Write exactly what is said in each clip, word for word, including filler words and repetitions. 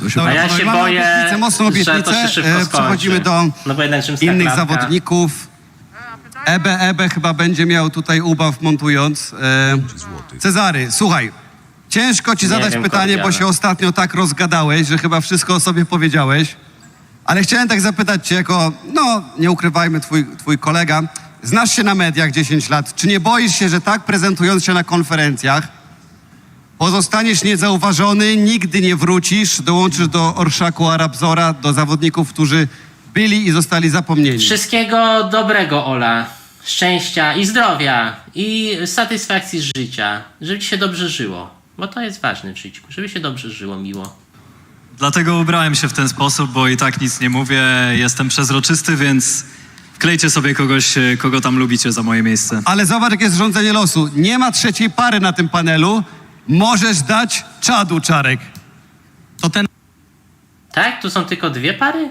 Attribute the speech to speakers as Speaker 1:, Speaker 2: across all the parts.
Speaker 1: To się
Speaker 2: A ja
Speaker 1: bardzo-
Speaker 2: się
Speaker 3: Mamy
Speaker 2: boję,
Speaker 3: obietnicę, mocną
Speaker 2: że to
Speaker 3: obietnicę.
Speaker 2: się szybko
Speaker 3: E,
Speaker 2: skończy.
Speaker 3: Przechodzimy do
Speaker 2: No bo jednak rzymska
Speaker 3: innych
Speaker 2: klatka.
Speaker 3: zawodników. Ebe, Ebe chyba będzie miał tutaj ubaw montując. E, Cezary, słuchaj, ciężko ci
Speaker 2: Nie
Speaker 3: zadać
Speaker 2: wiem,
Speaker 3: pytanie, bo
Speaker 2: Kordiana.
Speaker 3: się ostatnio tak rozgadałeś, że chyba wszystko o sobie powiedziałeś. Ale chciałem tak zapytać cię jako, no nie ukrywajmy, twój, twój kolega. Znasz się na mediach dziesięć lat. Czy nie boisz się, że tak prezentując się na konferencjach pozostaniesz niezauważony, nigdy nie wrócisz, dołączysz do orszaku Arabzora, do zawodników, którzy byli i zostali zapomnieni?
Speaker 2: Wszystkiego dobrego, Ola. Szczęścia i zdrowia i satysfakcji z życia. Żeby ci się dobrze żyło. Bo to jest ważne w życiu. Żeby się dobrze żyło, miło.
Speaker 4: Dlatego ubrałem się w ten sposób, bo i tak nic nie mówię, jestem przezroczysty, więc wklejcie sobie kogoś, kogo tam lubicie za moje miejsce.
Speaker 3: Ale zobacz, jakie jest rządzenie losu. Nie ma trzeciej pary na tym panelu. Możesz dać czadu, Czarek.
Speaker 5: To ten
Speaker 2: Tak? Tu są tylko dwie pary?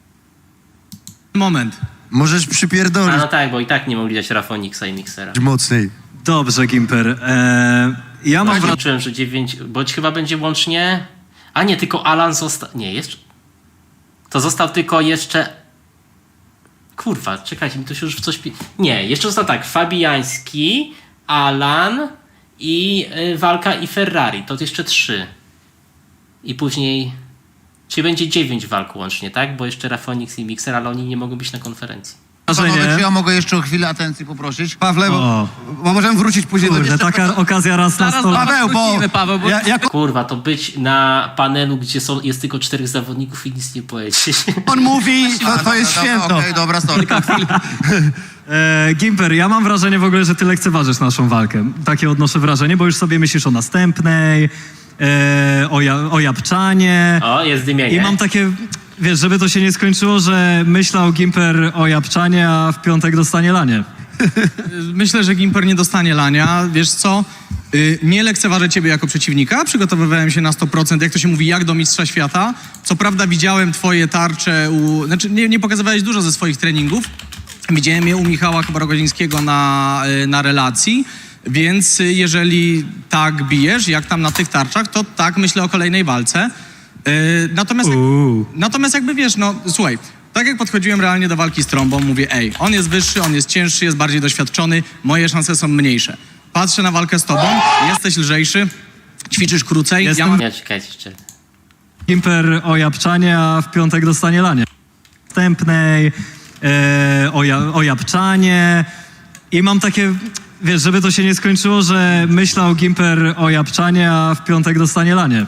Speaker 5: moment.
Speaker 1: Możesz
Speaker 2: A
Speaker 1: przypierdolić
Speaker 2: no tak, bo i tak nie mogli dać Rafoniksa i Mixera.
Speaker 1: mocniej.
Speaker 4: Dobrze, Gimper. Eee, ja mam
Speaker 2: Ja
Speaker 4: wrażenie...
Speaker 2: czułem, że dziewięć, bo chyba będzie łącznie... A nie, tylko Alan został... Nie, jeszcze... To został tylko jeszcze... Kurwa, czekajcie, mi to się już w coś... pi- Nie, jeszcze został tak, Fabiański, Alan i y, Walka i Ferrari. To jeszcze trzy. I później... Czyli będzie dziewięć walk łącznie, tak? Bo jeszcze Rafonix i Mixer, ale oni nie mogą być na konferencji.
Speaker 6: Panowie, czy ja
Speaker 4: wrażenie...
Speaker 6: mogę jeszcze o chwilę atencji poprosić?
Speaker 3: Pawle, bo,
Speaker 4: O.
Speaker 3: bo możemy wrócić później
Speaker 4: Kurde,
Speaker 3: do...
Speaker 4: taka okazja raz na sto lat.
Speaker 3: Paweł, bo,
Speaker 5: wrócimy, Paweł, bo-
Speaker 3: Ja, jako
Speaker 2: Kurwa, to być na panelu, gdzie są, jest tylko czterech zawodników i nic nie powiedzieć.
Speaker 3: on mówi, to, to jest
Speaker 6: Dobra,
Speaker 3: święto.
Speaker 6: Okej, dobra, sorry.
Speaker 4: Eee, Gimper, ja mam wrażenie w ogóle, że ty lekceważysz naszą walkę. Takie odnoszę wrażenie, bo już sobie myślisz o następnej, eee, o, ja, o Japczanie.
Speaker 2: O, jest dymienie.
Speaker 4: I mam takie, wiesz, żeby to się nie skończyło, że myślał Gimper o Japczanie, a w piątek dostanie lanie.
Speaker 5: Myślę, że Gimper nie dostanie lania. Wiesz co? Yy, nie lekceważę ciebie jako przeciwnika. Przygotowywałem się na sto procent, jak to się mówi, jak do mistrza świata. Co prawda widziałem twoje tarcze u... Znaczy, nie, nie pokazywałeś dużo ze swoich treningów. Widziałem je u Michała chyba Rogozińskiego na, yy, na relacji. Więc yy, jeżeli tak bijesz, jak tam na tych tarczach, to tak myślę o kolejnej walce. Yy, natomiast...
Speaker 4: Uuu.
Speaker 5: Natomiast jakby wiesz, no słuchaj, tak jak podchodziłem realnie do walki z Trąbą, mówię, ej, on jest wyższy, on jest cięższy, jest bardziej doświadczony, moje szanse są mniejsze. Patrzę na walkę z tobą, jesteś lżejszy, ćwiczysz krócej,
Speaker 4: Jestem-
Speaker 5: ja mam...
Speaker 2: Nie, czekajcie jeszcze.
Speaker 4: Gimper o Japczanie, a w piątek dostanie lanie. Następnej, eee, o, ja, o Japczanie. I mam takie, wiesz, żeby to się nie skończyło, że myślał Gimper o Japczanie, a w piątek dostanie lanie.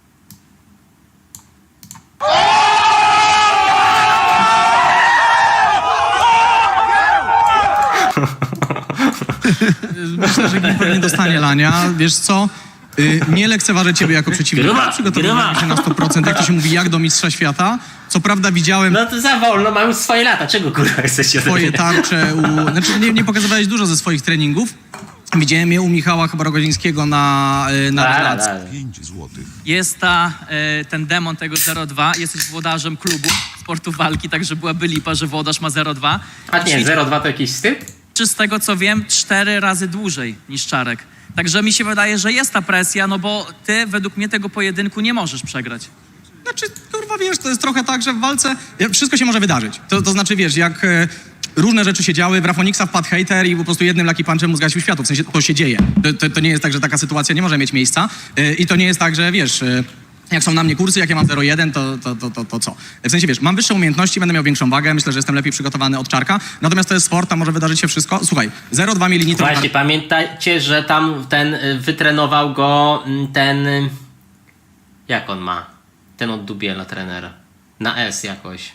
Speaker 5: Myślę, że Gimper nie dostanie lania, wiesz co? Yy, nie lekceważę ciebie jako przeciwnika,
Speaker 2: Gruba,
Speaker 5: przygotowywałem
Speaker 2: gruba.
Speaker 5: się na sto procent, jak to się mówi, jak do mistrza świata. Co prawda widziałem
Speaker 2: No to za wolno, mam już swoje lata. Czego kurwa chcecie ode
Speaker 5: twoje
Speaker 2: mnie?
Speaker 5: tarcze u... Znaczy, nie, nie pokazywałeś dużo ze swoich treningów. Widziałem je u Michała chyba Rogozińskiego na, yy, na
Speaker 2: Da, da,
Speaker 5: relacji.
Speaker 2: da.
Speaker 7: Jest ta, e, ten demon tego zero dwa, jesteś włodarzem klubu sportu walki, także byłaby lipa, że włodarz ma zero dwa.
Speaker 2: A nie, zero dwa to jakiś styl?
Speaker 7: Czy z tego co wiem, cztery razy dłużej niż Czarek. Także mi się wydaje, że jest ta presja, no bo ty według mnie tego pojedynku nie możesz przegrać.
Speaker 5: Znaczy, kurwa, wiesz, to jest trochę tak, że w walce wszystko się może wydarzyć. To, to znaczy, wiesz, jak e, różne rzeczy się działy, w Rafoniksa wpadł hejter i po prostu jednym lucky punchem mu zgasił światło. W sensie to się dzieje. To, to, to nie jest tak, że taka sytuacja nie może mieć miejsca. E, I to nie jest tak, że wiesz... E, jak są na mnie kursy, jak ja mam zero jeden, to, to, to, to, to co? W sensie, wiesz, mam wyższe umiejętności, będę miał większą wagę, myślę, że jestem lepiej przygotowany od Czarka. Natomiast to jest sport, tam może wydarzyć się wszystko. Słuchaj, zero dwa mieli nitro...
Speaker 2: Właśnie, pamiętajcie, że tam ten y, wytrenował go mm, ten... y, Jak on ma? Ten od Dubiela, trener. Na S jakoś.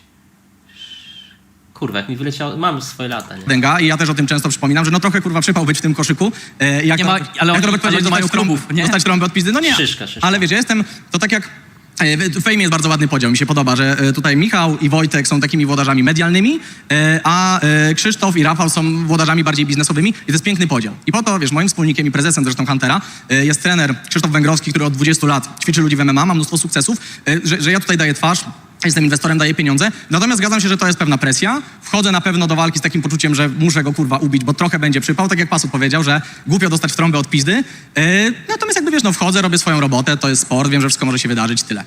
Speaker 2: Kurwa, jak mi wyleciało... Mam swoje lata, nie?
Speaker 5: Dęga i ja też o tym często przypominam, że no trochę kurwa przypał być w tym koszyku. E, jak
Speaker 7: Nie
Speaker 5: to,
Speaker 7: ma- ale
Speaker 5: jak to
Speaker 7: oni-
Speaker 5: Robert
Speaker 7: ale
Speaker 5: powiedział,
Speaker 7: oni mają
Speaker 5: dostać trąbów,
Speaker 7: klubów, nie?
Speaker 5: dostać trąbę od pizdy, no nie.
Speaker 2: Szyszka, szyszka.
Speaker 5: Ale wiesz, ja jestem, to tak jak e, w fejmie jest bardzo ładny podział, mi się podoba, że e, tutaj Michał i Wojtek są takimi włodarzami medialnymi, e, a e, Krzysztof i Rafał są włodarzami bardziej biznesowymi i to jest piękny podział. I po to, wiesz, moim wspólnikiem i prezesem zresztą Huntera e, jest trener Krzysztof Węgrowski, który od dwudziestu lat ćwiczy ludzi w M M A, ma mnóstwo sukcesów, e, że, że ja tutaj daję twarz, jestem inwestorem, daję pieniądze. Natomiast zgadzam się, że to jest pewna presja. Wchodzę na pewno do walki z takim poczuciem, że muszę go kurwa ubić, bo trochę będzie przypał, tak jak Pasut powiedział, że głupio dostać w trąbę od pizdy. Yy, natomiast jakby wiesz, no wchodzę, robię swoją robotę, to jest sport, wiem, że wszystko może się wydarzyć, tyle.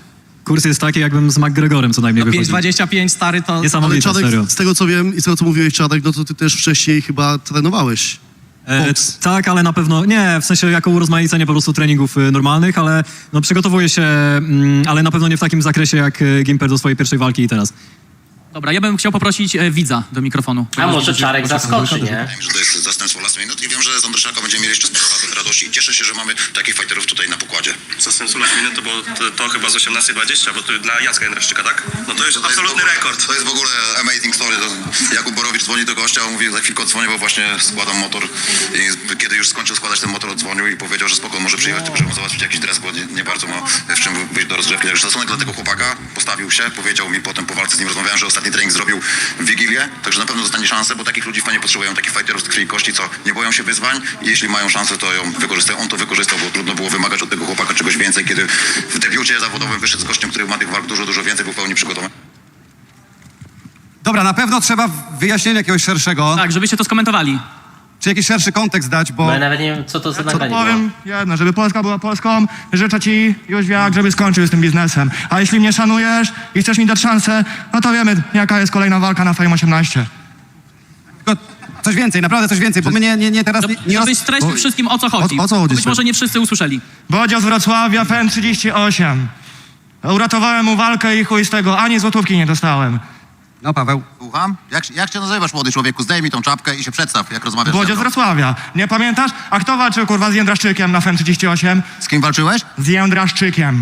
Speaker 4: kurs jest taki, jakbym z McGregorem co najmniej
Speaker 5: pięć
Speaker 4: wychodził.
Speaker 5: dwadzieścia pięć, stary, to...
Speaker 1: Ale
Speaker 4: Niesamowite,
Speaker 1: Czadek,
Speaker 4: serio.
Speaker 1: z tego co wiem i z tego co mówiłeś, Czadek, no to ty też wcześniej chyba trenowałeś.
Speaker 4: E,
Speaker 1: Boks.
Speaker 4: tak, ale na pewno nie, w sensie jako urozmaicenie po prostu treningów y, normalnych, ale no, przygotowuję się, mm, ale na pewno nie w takim zakresie jak y, Gimper do swojej pierwszej walki i teraz.
Speaker 7: Dobra, ja bym chciał poprosić e, widza do mikrofonu.
Speaker 2: A może Czarek zaskoczy, nie?
Speaker 8: Wiem, że to jest zastępstwo last minute i wiem, że z Andryszaka będziemy mieli jeszcze sporo rad- radości i cieszę się, że mamy takich fighterów tutaj na pokładzie.
Speaker 9: Zastępstwo last minute to, było, to, to chyba z osiemnaście dwadzieścia, bo to dla Jacka Jędraszczyka, tak? No to jest
Speaker 8: To jest
Speaker 9: absolutny
Speaker 8: w ogóle-
Speaker 9: rekord.
Speaker 8: To jest w ogóle amazing story. To Jakub Borowicz dzwoni do gościa, mówi za chwilkę odzwonię, bo właśnie składam motor i kiedy już skończył składać ten motor, odzwonił i powiedział, że spoko, może przyjechać, tylko żeby mu załatwić jakiś dres, bo nie, nie bardzo ma w czym wyjść do rozgrzewki. Także szacunek dla tego chłopaka, postawił się, powiedział mi potem po walce z nim rozmawiałem, że ostatni trening zrobił w Wigilię, także na pewno dostanie szansę, bo takich ludzi fajnie potrzebują, takich fighterów z krwi i kości, co nie boją się wyzwań i jeśli mają szansę, to ją wykorzystają. On to wykorzystał, bo trudno było wymagać od tego chłopaka czegoś więcej, kiedy w debiucie zawodowym wyszedł z gościem, który ma tych walk dużo, dużo więcej, był w pełni przygotowany.
Speaker 3: Dobra, na pewno trzeba wyjaśnienia jakiegoś szerszego,
Speaker 7: Tak, żebyście to skomentowali.
Speaker 3: czy jakiś szerszy kontekst dać, bo...
Speaker 2: Bo ja nawet nie wiem, co to za
Speaker 10: Co
Speaker 2: nagranie było.
Speaker 10: powiem jedno, żeby Polska była Polską, życzę ci już wiak, żeby skończył z tym biznesem. A jeśli mnie szanujesz i chcesz mi dać szansę, no to wiemy, jaka jest kolejna walka na Fame osiemnaście.
Speaker 3: Tylko coś więcej, naprawdę coś więcej, bo my nie, nie, nie teraz... Nie, nie roz...
Speaker 7: Żebyś streścił wszystkim, o co chodzi.
Speaker 1: O- o co chodzi,
Speaker 7: Być
Speaker 1: stary?
Speaker 7: może nie wszyscy usłyszeli.
Speaker 10: Bodzio z Wrocławia, F N trzydzieści osiem. Uratowałem mu walkę i chuj z tego, ani złotówki nie dostałem.
Speaker 3: No Paweł.
Speaker 8: Słucham? Jak, jak cię nazywasz, młody człowieku? Zdejmij tą czapkę i się przedstaw, jak rozmawiasz ze
Speaker 10: Bodzio z
Speaker 8: mną.
Speaker 10: Wrocławia. Nie pamiętasz? A kto walczył kurwa z Jędraszczykiem na F N trzydzieści osiem?
Speaker 8: Z kim walczyłeś?
Speaker 10: Z Jędraszczykiem.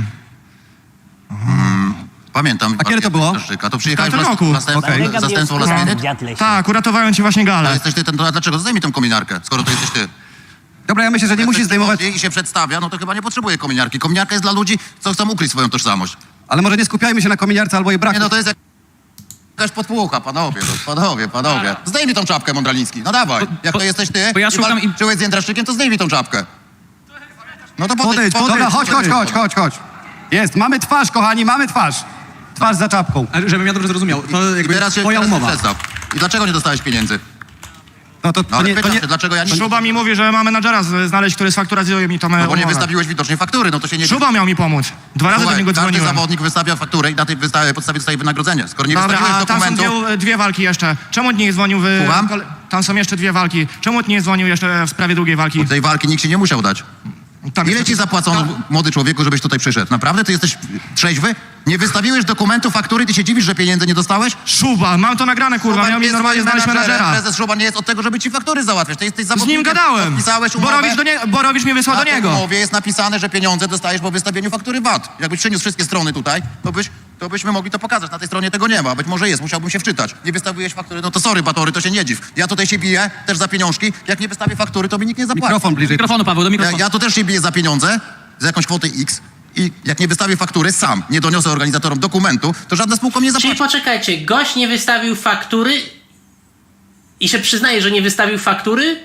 Speaker 8: Pamiętam.
Speaker 3: A kiedy to było?
Speaker 8: Szczyka. To przyjechałeś
Speaker 10: W tamtym
Speaker 8: w
Speaker 10: roku.
Speaker 8: zastępstwo,
Speaker 3: Okej.
Speaker 8: zastępstwo last minute?
Speaker 10: Tak, uratowałem ci właśnie
Speaker 8: A
Speaker 10: galę.
Speaker 8: jesteś ty ten, to a dlaczego? Zdejmij tą kominiarkę, skoro to jesteś ty.
Speaker 3: Dobra, ja myślę, że nie
Speaker 8: Jak
Speaker 3: musisz
Speaker 8: ktoś
Speaker 3: zdejmować...
Speaker 8: przychodzi i się przedstawia, no to chyba nie potrzebuje kominiarki. Kominiarka jest dla ludzi, co chcą ukryć swoją tożsamość.
Speaker 3: Ale może nie skupiajmy się na kominiarce albo jej braku.
Speaker 8: Nie no, to jest jak... jakaś podpłucha, panowie, no, panowie, panowie. Zdejmij tą czapkę, Mądraliński, no dawaj. Jak to jesteś ty
Speaker 7: bo ja
Speaker 8: i
Speaker 7: szukam im-
Speaker 8: walczyłeś z Jędraszczykiem, to zdejmij tą czapkę. No to
Speaker 3: Podejdź,
Speaker 8: podejdź,
Speaker 3: Dobra, chodź, chodź,
Speaker 8: podejdź.
Speaker 3: chodź, chodź, chodź. Jest, mamy twarz, kochani, mamy twarz. Twarz za czapką.
Speaker 5: Ale żebym ja dobrze zrozumiał, to
Speaker 8: I
Speaker 5: jakby
Speaker 8: teraz się,
Speaker 5: twoja
Speaker 8: teraz się
Speaker 5: umowa.
Speaker 8: przedstaw. I dlaczego nie dostałeś pieniędzy?
Speaker 3: No to,
Speaker 8: No
Speaker 3: to
Speaker 8: ale
Speaker 3: nie... To
Speaker 8: pytam
Speaker 3: nie...
Speaker 8: się, dlaczego ja nie...
Speaker 10: Szuba mi mówi, że ma menadżera z- znaleźć, który sfakturazuje mi tą
Speaker 8: No bo nie
Speaker 10: umowę.
Speaker 8: wystawiłeś widocznie faktury, no to się nie...
Speaker 10: Szuba miał mi pomóc. Dwa razy do
Speaker 8: Słuchaj,
Speaker 10: niego
Speaker 8: każdy
Speaker 10: dzwoniłem.
Speaker 8: zawodnik wystawia fakturę i na tej wysta- podstawie dostaje wynagrodzenie. Skoro nie
Speaker 10: Dobra,
Speaker 8: wystawiłeś
Speaker 10: a tam są
Speaker 8: dokumentu...
Speaker 10: dwie, dwie walki jeszcze. Czemu nie dzwonił w...
Speaker 8: Słucham?
Speaker 10: kole- Tam są jeszcze dwie walki. Czemu nie dzwonił jeszcze w sprawie drugiej walki?
Speaker 8: Tej walki nikt ci nie musiał dać.
Speaker 10: Tam
Speaker 8: Ile
Speaker 10: jest-
Speaker 8: ci zapłacono, młody człowieku, żebyś tutaj przyszedł? Naprawdę? Ty jesteś trzeźwy? Nie wystawiłeś dokumentu, faktury, ty się dziwisz, że pieniędzy nie dostałeś?
Speaker 10: Szuba, mam to nagrane, kurwa.
Speaker 8: Szuba
Speaker 10: Miał mi
Speaker 8: jest
Speaker 10: normalnie
Speaker 8: twoim
Speaker 10: znaleźć
Speaker 8: menadżerem.
Speaker 10: menadżera.
Speaker 8: Prezes Szuba nie jest od tego, żeby ci faktury załatwiać. Ty jesteś
Speaker 10: Z
Speaker 8: zawodnikiem.
Speaker 10: nim gadałem.
Speaker 8: Podpisałeś umowę.
Speaker 10: Borowicz, do nie... Borowicz mnie wysłał
Speaker 8: Na
Speaker 10: do
Speaker 8: tej
Speaker 10: niego.
Speaker 8: umowie jest napisane, że pieniądze dostajesz po wystawieniu faktury V A T. Jakbyś przyniósł wszystkie strony tutaj, to, byś, to byśmy mogli to pokazać. Na tej stronie tego nie ma. Być może jest, musiałbym się wczytać. Nie wystawiłeś faktury, no to sorry, Batory, to się nie dziw. Ja tutaj się biję, też za pieniążki. Jak nie wystawię faktury, to mi nikt nie zapłaci.
Speaker 3: Mikrofon bliżej.
Speaker 7: Mikrofonu, Paweł, do
Speaker 8: Ja,
Speaker 7: mikrofonu.
Speaker 8: ja tu też się biję za pieniądze, za jakąś kwotę X. I jak nie wystawię faktury sam, nie doniosę organizatorom dokumentu, to żadna spółka mnie nie
Speaker 2: Czyli
Speaker 8: zapłaci.
Speaker 2: poczekajcie, gość nie wystawił faktury i się przyznaje, że nie wystawił faktury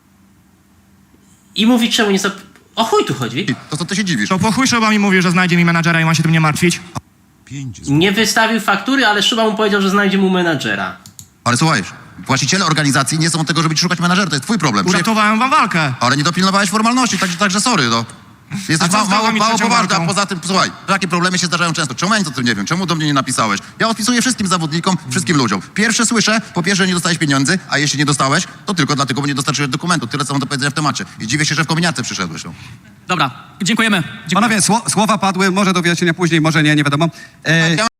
Speaker 2: i mówi, czemu nie... zap- O chuj tu chodzi.
Speaker 8: To co ty się dziwisz?
Speaker 10: To po chuj Szuba mi mówi, że znajdzie mi menadżera i ma się tym nie martwić.
Speaker 2: Nie wystawił faktury, ale Szuba mu powiedział, że znajdzie mu menadżera.
Speaker 8: Ale słuchaj, właściciele organizacji nie są od tego, żeby ci szukać menadżera, to jest twój problem. Przyje-
Speaker 10: Uratowałem wam walkę.
Speaker 8: Ale nie dopilnowałeś formalności, także, także sorry, no. Jesteś
Speaker 10: A co
Speaker 8: ma,
Speaker 10: z
Speaker 8: mało,
Speaker 10: drugą i
Speaker 8: mało
Speaker 10: trzecią
Speaker 8: poważny, a
Speaker 10: walką?
Speaker 8: poza tym, słuchaj, takie problemy się zdarzają często. Czemu ja nic o tym nie wiem? Czemu do mnie nie napisałeś? Ja odpisuję wszystkim zawodnikom, wszystkim ludziom. Pierwsze słyszę, po pierwsze, nie dostałeś pieniędzy, a jeśli nie dostałeś, to tylko dlatego, bo nie dostarczyłeś dokumentu. Tyle, co mam do powiedzenia w temacie. I dziwię się, że w kominiarce przyszedłeś. No.
Speaker 7: Dobra, dziękujemy. Dziękujemy.
Speaker 3: Panowie, sło, słowa padły, może do wyjaśnienia później, może nie, nie wiadomo. E,